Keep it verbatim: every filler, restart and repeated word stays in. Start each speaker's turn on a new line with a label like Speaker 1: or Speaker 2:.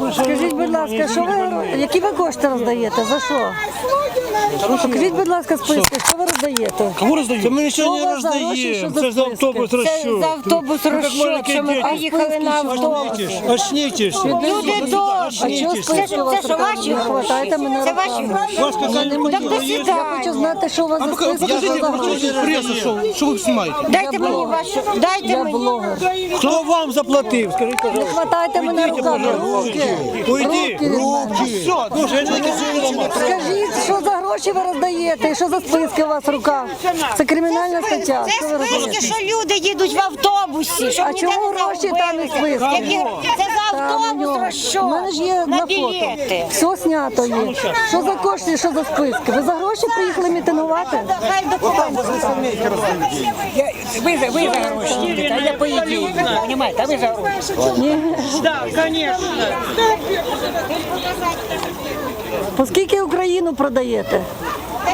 Speaker 1: Скажіть, будь ласка, що ви, які ви кошти роздаєте? За що? Покажіть, будь ласка, списки, що ви роздаєте?
Speaker 2: Кому роздають? Ми нічого не
Speaker 1: Що у вас за гроші,
Speaker 2: роздаємо.
Speaker 1: що за
Speaker 2: Це за
Speaker 1: списки?
Speaker 2: автобус
Speaker 3: Це
Speaker 2: розчув.
Speaker 3: за автобус розчет, що ми поїхали на автобус.
Speaker 2: Очнітесь.
Speaker 3: Люди добрі.
Speaker 1: А чого списки у вас
Speaker 3: Це що, ваші
Speaker 1: не хватаєте мене
Speaker 3: Це ваші
Speaker 1: руками?
Speaker 3: гроші?
Speaker 2: У вас какая-то
Speaker 3: Так до
Speaker 1: Я
Speaker 3: свидання.
Speaker 1: хочу знати, що у вас за списки, що
Speaker 2: Покажите,
Speaker 1: за гроші.
Speaker 2: покажите прессу, что, что вы снимаете.
Speaker 3: Дайте мені вашу, дайте
Speaker 1: Я
Speaker 3: мені.
Speaker 1: блогер.
Speaker 2: Кто вам заплатил? Скажите,
Speaker 1: Не
Speaker 2: пожалуйста.
Speaker 1: хватайте мене руками. Руки.
Speaker 2: Уйди.
Speaker 1: Руки від мене.
Speaker 2: Все, ну, я не
Speaker 1: Скажіть, що за гроші ви роздаєте і що за списки у вас в руках? Це кримінальна стаття.
Speaker 3: Це
Speaker 1: Що ви
Speaker 3: списки,
Speaker 1: роздаєте?
Speaker 3: що люди їдуть в автобусі. Щоб
Speaker 1: А
Speaker 3: ніде
Speaker 1: чому
Speaker 3: не
Speaker 1: гроші
Speaker 3: загубили.
Speaker 1: там і списки?
Speaker 3: Які- Це за
Speaker 1: Там у
Speaker 3: автобус
Speaker 1: нього.
Speaker 3: розчет.
Speaker 1: У мене ж є на
Speaker 3: на
Speaker 1: фото.
Speaker 3: білети.
Speaker 1: Все знято є. Що за кошти, що за списки? Ви за гроші приїхали мітингувати?
Speaker 3: Хай документи.
Speaker 4: Вы за, вы за гроши едете, а я по идее, понимаете, а вы за гроши.
Speaker 1: Ні.
Speaker 4: Да, конечно.
Speaker 1: По скільки Україну продаєте?